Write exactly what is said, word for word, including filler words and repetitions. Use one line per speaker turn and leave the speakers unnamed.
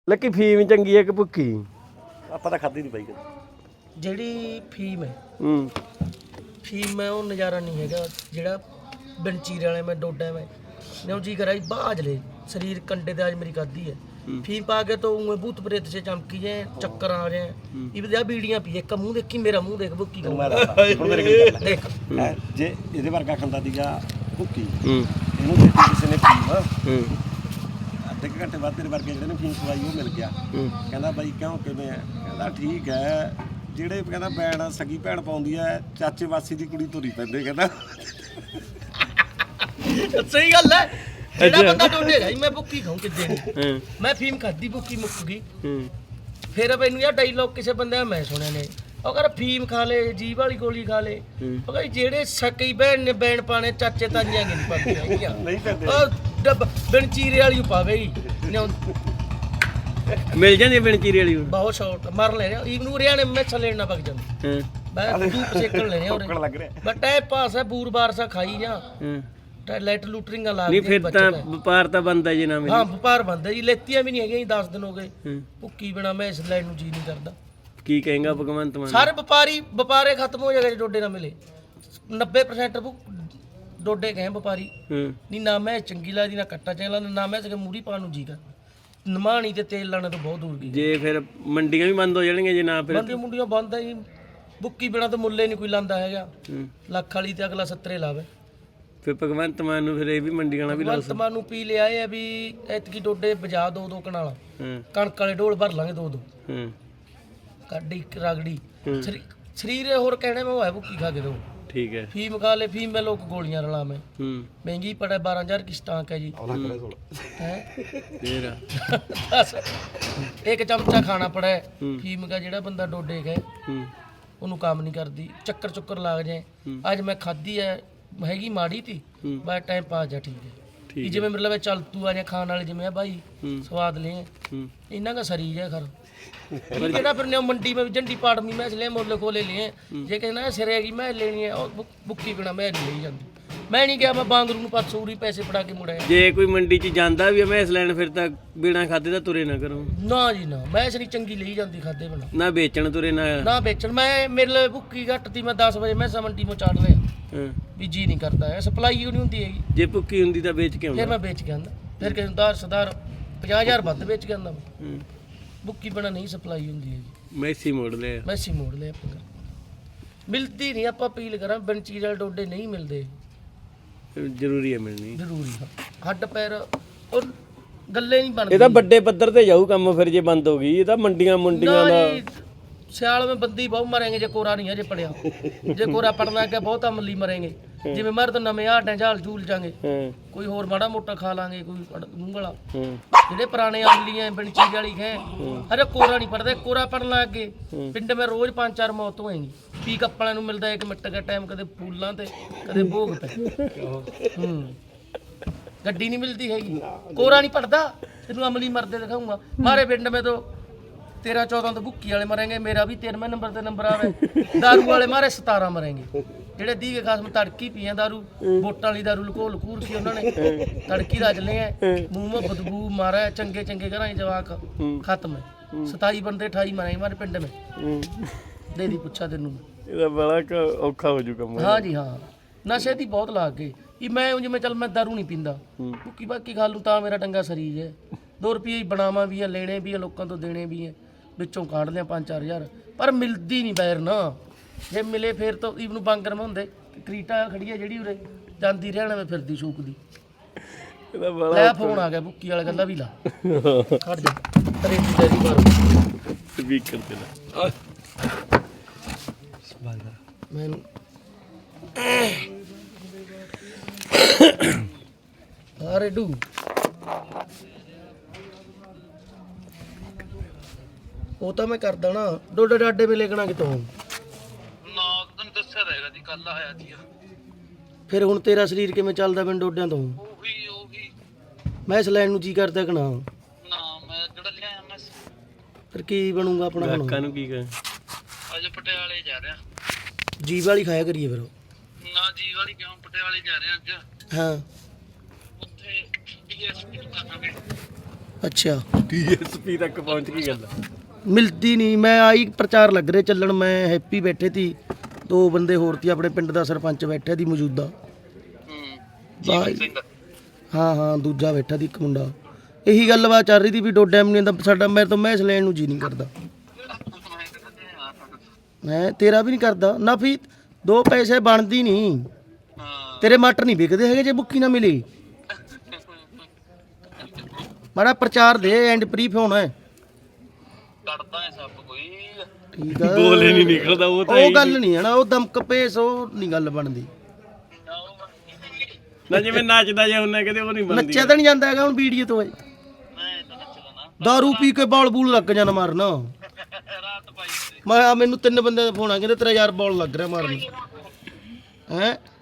Lucky ਫੀਮ ਚੰਗੀ ਹੈ ਕਿ ਭੁੱਕੀ?
ਆਪਾਂ ਤਾਂ ਖਾਧੀ ਨਹੀਂ ਬਾਈ
ਜਿਹੜੀ ਫੀਮ ਹੈ
ਹੂੰ
ਫੀਮ ਹੈ ਉਹ ਨਜ਼ਾਰਾ ਨਹੀਂ ਹੈਗਾ ਜਿਹੜਾ ਬੰਚੀਰੇ ਵਾਲੇ ਮੈਂ ਡੋਡਾ ਮੈਂ ਨਿਉ ਜੀ ਕਰਾਈ ਬਾਜ ਲੈ शरीर कंडे दे आज मेरी खाधी है फीम पा के तो उन्हें भूत प्रेत से चमकी जाए चक्कर आ रहे हैं ये बता बीड़ियां पी एक मुंह देखी मेरा मुंह देख बुक्की
ਹੁਣ ਮੇਰੇ ਕੋਲ
देख
ਹੈਂ, ਜੇ ਇਹਦੇ ਵਰਗਾ ਖਾਂਦਾ ਸੀਗਾ ਭੁੱਕੀ
ਹੂੰ
ਇਹਨੂੰ ਦਿੱਤੀ ਕਿਸੇ ਨੇ ਫੀਮ
ਹੂੰ
ਅੱਧੇ ਕੁ ਘੰਟੇ ਬਾਅਦ ਤੇਰੇ ਵਰਗੇ ਜਿਹੜੇ ਨੇ ਫੀਮ ਖਵਾਈ ਉਹ ਮਿਲ ਗਿਆ
ਹੂੰ
ਕਹਿੰਦਾ ਬਾਈ ਕਿਉਂ ਕਿਵੇਂ ਆ ਕਹਿੰਦਾ ਠੀਕ ਹੈ ਜਿਹੜੇ ਕਹਿੰਦਾ ਭੈਣ ਸਗੀ ਭੈਣ ਪਾਉਂਦੀ ਹੈ ਚਾਚੇ ਵਾਸੀ ਦੀ ਕੁੜੀ ਤੁਰੀ ਪੈਂਦੇ ਕਹਿੰਦਾ
सही गल है ਜਿਹੜਾ ਬੰਦਾ ਡੋਲੇਗਾ ਮੈਂ ਭੁੱਕੀ ਖਾਉਂ ਕਿੱਦੇ ਨਹੀਂ
ਹੂੰ
ਮੈਂ ਫੀਮ ਖਾਦੀ ਭੁੱਕੀ ਮੁੱਕ ਗਈ
ਹੂੰ
ਫਿਰ ਮੈਨੂੰ ਇਹ ਡਾਇਲੌਗ ਕਿਸੇ ਬੰਦੇ ਦਾ ਮੈਂ ਸੁਣਿਆ ਨੇ ਉਹ ਕਹਿੰਦਾ ਫੀਮ ਖਾ ਲੇ ਜੀਭ ਵਾਲੀ ਗੋਲੀ ਖਾ ਲੇ ਉਹ ਕਹਿੰਦਾ ਜਿਹੜੇ ਸਕਈ ਭੈਣ ਨੇ ਬੈਣ ਪਾਣੇ ਚਾਚੇ ਤਾਈਆਂ ਨਹੀਂ ਪਾਉਂਦੀਆਂ ਹੈਗੀਆਂ
ਨਹੀਂ ਪੈਂਦੇ
ਉਹ ਡੱਬ ਬਿਨਚੀਰੇ ਵਾਲੀ ਪਾਵੇ ਹੀ
ਮਿਲ ਜਾਂਦੀ ਬਿਨ ਚੀਰੇ ਵਾਲੀ ਹੁਣ?
ਬਹੁਤ ਸ਼ਾਰਟ ਮਰ ਲੈ ਰਿਹਾ ਈਵਨ ਉਰਿਆ ਨੇ ਮੈਚ ਲੈਣਾ ਪੱਕ ਜਾਂਦਾ
ਹਾਂ
ਮੈਂ ਧੂਪ ਸੇਕਣ ਲੈਣੇ
ਭੁੱਖਣ
ਉਰੇ
ਲੱਗ ਰਿਹਾ
ਬਟ ਇਹ ਪਾਸ ਹੈ ਬੂਰ ਬਾਰ ਸਾ ਖਾਈ ਜਾ
ਹਾਂ
ਟੈ ਲਾਈਟ ਲੂਟਰਿੰਗਾਂ ਲਾ
ਨਹੀਂ
ਕੇ
ਫਿਰ
ਬੱਚੇ
ਤਾਂ
ਦਾ।
ਵਪਾਰ ਤਾਂ ਬੰਦਾ ਜੇ ਨਾ ਮਿਲੇ
ਹਾਂ ਵਪਾਰ ਬੰਦਾ ਜੀ ਲੈਤੀਆਂ ਵੀ ਨਹੀਂ ਹੈਗੀਆਂ ਜੀ ਦਸ ਦਿਨ ਹੋ ਗਏ
ਹੂੰ
ਭੁੱਕੀ ਬਿਨਾ ਮੈਂ ਇਸ ਲੈਣ ਨੂੰ ਜੀ ਨਹੀਂ ਕਰਦਾ
ਕੀ ਕਹੇਗਾ ਭਗਵੰਤ ਮਾਨ?
ਸਾਰੇ ਵਪਾਰੀ ਵਪਾਰੇ ਖਤਮ ਹੋ ਜਾਏਗਾ ਜੇ ਡੋਡੇ ਨਾ ਮਿਲੇ ਨੱਬੇ ਪ੍ਰਸੈਂਟ ਡੋਡੇ ਕਹੇ ਵਪਾਰੀ
ਹੂੰ
ਨਹੀਂ ਨਾ ਮੈਂ ਚੰਗੀ ਲੱਗਦੀ ਨਾ ਕੱਟਾ ਚੰਗਾ ਨਾ ਮੈਂ ਸਕੇ ਮੂੜੀ ਪਾਣ ਨੂੰ ਜੀ ਕਰ ਨਮਾਣੀ ਤੇ ਤੇਲ ਲਾਣੇ ਤੋਂ ਬਹੁਤ ਦੂਰ ਗਈ
ਜੇ ਫਿਰ ਮੰਡੀਆਂ ਵੀ ਬੰਦ ਹੋ ਜਾਣਗੀਆਂ ਜੇ ਨਾ ਫਿਰ
ਬੰਦੇ ਮੁੰਡੀਆਂ ਬੰਦ ਆ ਜੀ ਬੁੱਕੀ ਬਿਨਾ ਤਾਂ ਮੁੱਲੇ ਨਹੀਂ ਕੋਈ ਲਾਂਦਾ ਹੈਗਾ
ਹੂੰ
ਲੱਖ ਵਾਲੀ ਤੇ ਅਗਲਾ ਸੱਤਰੇ ਲਾਵੇ
ਫਿਰ ਭਗਵੰਤ ਮਾਨ ਨੂੰ ਫਿਰ ਇਹ ਵੀ ਮੰਡੀਆਂ ਨਾਲ ਵੀ ਲਾ
ਵਰਤਮਾਨ ਨੂੰ ਪੀ ਲਿਆ ਇਹ ਆ ਵੀ ਐਤਕੀ ਡੋਡੇ ਬਜਾ ਦੋ ਦੋ ਕਨਾਲਾ
ਹਾਂ
ਕਣਕ ਵਾਲੇ ਢੋਲ ਭਰ ਲਾਂਗੇ ਦੋ ਦੋ
ਹਾਂ
ਕਾਡੀ ਰਗੜੀ
ਹੂੰ।
ਸਰੀ- ਸਰੀਰ ਇਹ ਹੋਰ ਕਹਿਣੇ ਮੈਂ ਉਹ ਹੈ ਭੁੱਕੀ ਖਾ ਕੇ ਦੋ
ਠੀਕ ਹੈ
ਫੀਮ ਖਾ ਲੈ ਫੀਮ ਮੈਂ ਲੋਕ ਗੋਲੀਆਂ ਰਲਾ ਮੈਂ
ਹੂੰ
ਮਹਿੰਗੀ ਪੜਾ ਬਾਰਾਂ ਹਜ਼ਾਰ ਕੀ ਸਟਾਕ ਹੈ ਜੀ ਹੈ
ਫੇਰ
ਦੱਸ ਇੱਕ ਚਮਚਾ ਖਾਣਾ ਪੜਾ ਹੈ।
ਹੂੰ।
ਫੀਮ ਦਾ ਜਿਹੜਾ ਬੰਦਾ ਡੋਡੇ ਗਏ
ਹੂੰ
ਉਹਨੂੰ ਕੰਮ ਨਹੀਂ ਕਰਦੀ ਚੱਕਰ ਚੁੱਕਰ ਲੱਗ ਜਾਏ
ਹੂੰ।
ਅੱਜ ਮੈਂ ਖਾਧੀ ਹੈ ਹੈਗੀ ਮਾੜੀ ਤੀ
ਹੂੰ।
ਬਸ ਟਾਈਮ ਪਾਸ ਜਾ ਠੀਕ ਹੈ
ਠੀਕ
ਕਿ ਜਿਵੇਂ ਮਤਲਬ ਚੱਲ ਤੂੰ ਆ ਜਾ ਖਾਣ ਵਾਲੇ ਜਿਵੇਂ ਆ ਭਾਈ
ਹੂੰ
ਸਵਾਦ ਲੈ
ਹੂੰ
ਇਹਨਾਂ ਦਾ ਸਰੀਰ ਹੈ ਖਰ ਪਰ ਜਿਹੜਾ ਫਿਰ ਨੇ ਮੰਡੀ में झंडी पाड़ में मैं इसलिए मोल खोले लिए जे कहना सिरे की मैं लेनी है और बुक्की बिना मैं नहीं ले जाती मैं नहीं गया मैं बांगरू ਨੂੰ ਪਰਸੂਰੀ ਪੈਸੇ ਫੜਾ ਕੇ ਮੁੜਿਆ
ਜੇ ਕੋਈ ਮੰਡੀ 'ਚ ਜਾਂਦਾ ਵੀ ਮੈਂ ਇਸ ਲੈਣ ਫਿਰ ਤਾਂ ਬਿਨਾ ਖਾਦੇ ਤਾਂ ਤੁਰੇ ਨਾ ਕਰੋ
ਨਾ ਜੀ ਨਾ ਮੈਂ ਇਸ ਨਹੀਂ ਚੰਗੀ ਲਈ ਜਾਂਦੀ ਖਾਦੇ ਬਿਨਾ
ਨਾ ਵੇਚਣ ਤੁਰੇ ਨਾ
ਨਾ ਵੇਚਣ ਮੈਂ ਮੇਰੇ ਲਈ ਭੁੱਕੀ ਘੱਟ ਤੀ ਮੈਂ ਦਸ ਵਜੇ ਮੈਂ ਮੰਡੀ ਮੋਂ ਚਾੜ ਲਿਆ
ਹਾਂ
ਵੀ ਜੀ ਨਹੀਂ ਕਰਦਾ ਹੈ ਸਪਲਾਈ ਨਹੀਂ ਹੁੰਦੀ ਹੈਗੀ
ਜੇ ਭੁੱਕੀ ਹੁੰਦੀ ਤਾਂ ਵੇਚ ਕੇ
ਫਿਰ
ਆਉਂਦਾ
ਮੈਂ ਵੇਚ ਕੇ ਆਂਦਾ ਫਿਰ ਕਿਸੇ ਨੂੰ ਦਾਰ ਸਦਾਰ ਪੰਜਾਹ ਹਜ਼ਾਰ ਵੱਧ ਵੇਚ ਕੇ ਆਂਦਾ ਮੈਂ
ਹੂੰ
ਭੁੱਕੀ ਬਿਨਾ ਨਹੀਂ ਸਪਲਾਈ ਹੁੰਦੀ ਹੈਗੀ
ਮੈਸੀ ਮੋੜ ਲਿਆ
ਮੈਸੀ ਮੋੜ ਲਿਆ ਆਪਾਂ ਮਿਲਦੀ ਨਹੀਂ ਆਪਾਂ ਅਪੀਲ ਕਰਾਂ ਬੰਚੀਰ ਵਾਲੇ ਡੋਡੇ ਨਹੀਂ ਮਿਲਦੇ
ਜ਼ਰੂਰੀ ਹੈ ਮਿਲਣੀ
ਜ਼ਰੂਰੀ ਆ ਹੱਡ ਪੈਰ ਉਹ ਗੱਲੇ ਨਹੀਂ ਬਣਦੇ
ਇਹ ਤਾਂ ਵੱਡੇ ਪੱਧਰ ਤੇ ਜਾਊ ਕੰਮ ਫਿਰ ਜੇ ਬੰਦ ਹੋ ਗਈ ਇਹ ਤਾਂ ਮੰਡੀਆਂ ਮੁੰਡੀਆਂ
ਨਾ
ਦਾ
ਜੀ, ਸਿਆਲ में ਬੰਦੀ ਬਹੁਤ ਮਰਾਂਗੇ ਜੇ ਕੋਰਾ ਨਹੀਂ ਹਜੇ ਪੜਿਆ ਜੇ ਕੋਰਾ ਪੜਨਾ ਕਿ ਬਹੁਤ ਅਮਲੀ ਮਰਾਂਗੇ ਜਿਵੇਂ ਮਰ ਤਾਂ ਨਵੇਂ ਆਟਾਂ ਝਾਲ ਝੂਲ ਜਾਾਂਗੇ
ਹਾਂ
ਕੋਈ ਹੋਰ ਮਾੜਾ ਮੋਟਾ ਖਾ ਲਾਂਗੇ ਕੋਈ ਅੜ- ਮੂੰਹ ਵਾਲਾ
ਹਾਂ
ਜਿਹੜੇ ਪੁਰਾਣੇ ਅਮਲੀ ਐ ਬਿਨ ਚੀਜ਼ ਵਾਲੀ ਹੈ ਅਰੇ ਕੋਰਾ ਨਹੀਂ ਪੜਦਾ ਕੋਰਾ ਪੜਨ ਲੱਗ ਗਏ ਪਿੰਡ ਮੈਂ ਰੋਜ਼ ਪੰਜ ਚਾਰ ਮੌਤ ਹੋਏਗੀ ਪੀ ਕੱਪ ਵਾਲਿਆਂ ਨੂੰ ਮਿਲਦਾ ਇੱਕ ਮਿੰਟ ਦਾ ਟਾਈਮ ਕਦੇ ਫੂਲਾਂ ਤੇ ਕਦੇ ਭੋਗ ਤੇ ਹੂੰ ਗੱਡੀ ਨਹੀਂ ਮਿਲਦੀ ਹੈਗੀ ਕੋਰਾ ਨਹੀਂ ਪੜਦਾ ਤੈਨੂੰ ਅਮਲੀ ਮਰਦੇ ਦਿਖਾਉਂਗਾ ਮਾਰੇ ਪਿੰਡ में तो तेरह चौदह तो भुक्की वाले मरेंगे मेरा भी तेरहवें नंबर ते नंबर आवे दारू वाले मारे सतारह मरेंगे ਜਿਹੜੇ ਦੀਵੇ ਖਾਸ ਮੈਂ ਤੜਕੀ ਪੀਆਂ ਦਾਰੂ ਵੋਟਾਂ ਵਾਲੀ ਦਾਰੂ ਲਕੋ ਲਕੂਰ ਕੀ ਉਹਨਾਂ ਨੇ ਤੜਕੀ ਰਜ ਲਏ ਐ ਮੂੰਹ ਮੇ ਬਦਬੂ ਮਾਰਾ ਚੰਗੇ ਚੰਗੇ ਘਰਾਂ ਚ ਜਵਾਕ ਖਤਮ ਹੈ ਸਤਾਈ ਬੰਦੇ ਅਠਾਈ ਮਰੇ ਮਾਰੇ ਪਿੰਡ ਮੇ ਦੇ ਦੀ ਪੁੱਛਾ ਤੈਨੂੰ
ਇਹਦਾ ਬੜਾ ਕ- ਔਖਾ ਹੋ ਜੂ ਕੰਮ
ਹਾਂ ਜੀ ਹਾਂ ਨਸ਼ੇ ਦੀ ਬਹੁਤ ਲੱਗ ਗਈ ਇਹ ਮੈਂ ਜਿਵੇਂ ਚੱਲ ਮੈਂ ਦਾਰੂ ਨਹੀਂ ਪੀਂਦਾ ਭੁੱਕੀ ਬਾਕੀ ਖਾ ਲੂ ਤਾਂ ਮੇਰਾ ਡੰਗਾ ਸਰੀਰ ਹੈ ਦੋ ਰੁਪਏ ਬਣਾਵਾਂ ਵੀ ਆ ਲੈਣੇ ਵੀ ਆ ਲੋਕਾਂ ਤੋਂ ਦੇਣੇ ਵੀ ਆ ਵਿੱਚੋਂ ਕੱਢ ਲਿਆ ਪੰਜ ਚਾਰ ਹਜ਼ਾਰ ਪਰ ਮਿਲਦੀ ਨਹੀਂ ਬੈਰ ਨਾ ਜੇ ਮਿਲੇ ਫਿਰ ਤਾਂ ਇਹਨੂੰ ਬਾਂਗਰ ਮੈਂ ਹੁੰਦੇ ਕਰੀਟਾ ਖੜੀ ਆ ਜਿਹੜੀ ਉਰੇ ਜਾਂਦੀ ਰਹਿਣਾ ਮੈਂ ਫਿਰਦੀ ਸ਼ੂਕ ਦੀ
ਇਹਦਾ ਬੜਾ
ਲੈ ਫੋਨ ਆ ਗਿਆ ਬੁੱਕੀ ਵਾਲਾ ਗੱਲਾਂ ਵੀ ਲਾ ਖੜ ਜਾ ਤੇਰੀ ਤੇਰੀ ਮਾਰੋ
ਸਪੀਕਰ ਤੇ ਲਾ
ਮੈਨੂੰ ਅਰੇ ਡੂ ਉਹ ਤਾਂ ਮੈਂ ਕਰਦਾ ਨਾ ਡੋਡੇ ਡਾਡੇ ਵੀ ਲੈਣਾ ਕਿਤੋਂ
ਨਾ ਤੈਨੂੰ ਦੱਸਿਆ ਰਹੇਗਾ ਜੀ ਕੱਲ ਆਇਆ ਜੀ
ਫਿਰ ਹੁਣ ਤੇਰਾ ਸਰੀਰ ਕਿਵੇਂ ਚੱਲਦਾ ਬਿਨ ਡੋਡਿਆਂ ਤੋਂ
ਉਹੀ ਉਹੀ
ਮੈਂ ਇਸ ਲੈਣ ਨੂੰ ਜੀ ਕਰਦਾ ਕਿ ਨਾ
ਨਾ ਮੈਂ ਜਿਹੜਾ ਲਿਆਇਆ ਮੈਂ
ਫਿਰ ਕੀ ਬਣੂਗਾ ਆਪਣਾ
ਗਾਹਕਾਂ
ਹੁਣ
ਨੂੰ ਕੀ ਕਹੇ
ਅੱਜ ਪਟਿਆਲੇ ਜਾ ਰਿਹਾ
ਜੀਵ ਵਾਲੀ ਖਾਇਆ ਕਰੀਏ ਫਿਰ ਉਹ।
ਨਾ ਜੀ ਵਾਲੀ ਕਿਉਂ ਪਟਿਆਲੇ ਜਾ ਰਿਹਾ ਅੱਜ
ਹਾਂ
ਉੱਥੇ ਡੀਐਸਪੀ ਨੂੰ ਕਹਾਂਗੇ
ਅੱਛਾ
ਡੀਐਸਪੀ ਤੱਕ ਪਹੁੰਚ ਗਈ ਗੱਲ।
ਮਿਲਦੀ ਨਹੀਂ। ਮੈਂ ਆਈ ਪ੍ਰਚਾਰ ਲੱਗ ਰਿਹਾ ਚੱਲਣ, ਮੈਂ ਹੈਪੀ ਬੈਠੇ ਤੀ, ਦੋ ਬੰਦੇ ਹੋਰ ਤੀ, ਆਪਣੇ ਪਿੰਡ ਦਾ ਸਰਪੰਚ ਬੈਠਿਆ ਦੀ ਮੌਜੂਦਾ। ਹਾਂ ਹਾਂ ਦੂਜਾ ਬੈਠਾ ਦੀ ਇੱਕ ਮੁੰਡਾ। ਇਹੀ ਗੱਲਬਾਤ ਚੱਲ ਰਹੀ ਤੀ ਵੀ ਡੋਡਾ ਐਮਨੀ ਦਾ ਸਾਡਾ, ਮੇਰੇ ਤੋਂ ਮੈਚ ਲੈਣ ਨੂੰ ਜੀ ਨਹੀਂ ਕਰਦਾ। ਮੈਂ ਤੇਰਾ ਵੀ ਨਹੀਂ ਕਰਦਾ ਨਾ, ਵੀ ਦੋ ਪੈਸੇ ਬਣਦੀ ਨਹੀਂ। ਤੇਰੇ ਮਟਰ ਨਹੀਂ ਵਿਕਦੇ ਹੈਗੇ ਜੇ ਬੁੱਕੀ ਨਾ ਮਿਲੀ। ਮਾੜਾ ਪ੍ਰਚਾਰ ਦੇ, ਐਂਡ ਪ੍ਰੀਫ ਹੋਣਾ ਹੈ।
ਕੱਢਦਾ ਹੈ ਸਭ ਕੋਈ।
ਠੀਕ ਆ,
ਬੋਲੇ ਨਹੀਂ ਨਿਕਲਦਾ ਉਹ ਤਾਂ।
ਉਹ ਗੱਲ ਨਹੀਂ ਹੈ ਨਾ, ਉਹ ਦਮਕ ਪੇਸ ਉਹ ਨਹੀਂ ਗੱਲ ਬਣਦੀ।
ਨਾ ਜਿਵੇਂ ਨੱਚਦਾ ਜੇ ਉਹਨੇ ਕਹਿੰਦੇ ਉਹ ਨਹੀਂ ਬਣਦੀ।
ਨੱਚਿਆ ਤਾਂ ਨਹੀਂ ਜਾਂਦਾ ਹੈਗਾ ਹੁਣ ਵੀਡੀਓ ਤੋਂ। ਦਾਰੂ ਪੀ ਕੇ ਬਾਲ ਬੂਲ ਲੱਗ ਜਾਣਾ ਮਾਰਨ। ਮੈਂ ਆ ਮੈਨੂੰ ਤਿੰਨ ਬੰਦਿਆਂ ਦਾ ਫੋਨ ਆ, ਕਹਿੰਦੇ ਤੇਰਾ ਯਾਰ ਬਾਲ ਲੱਗ ਰਿਹਾ ਮਾਰਨ। ਹੈਂ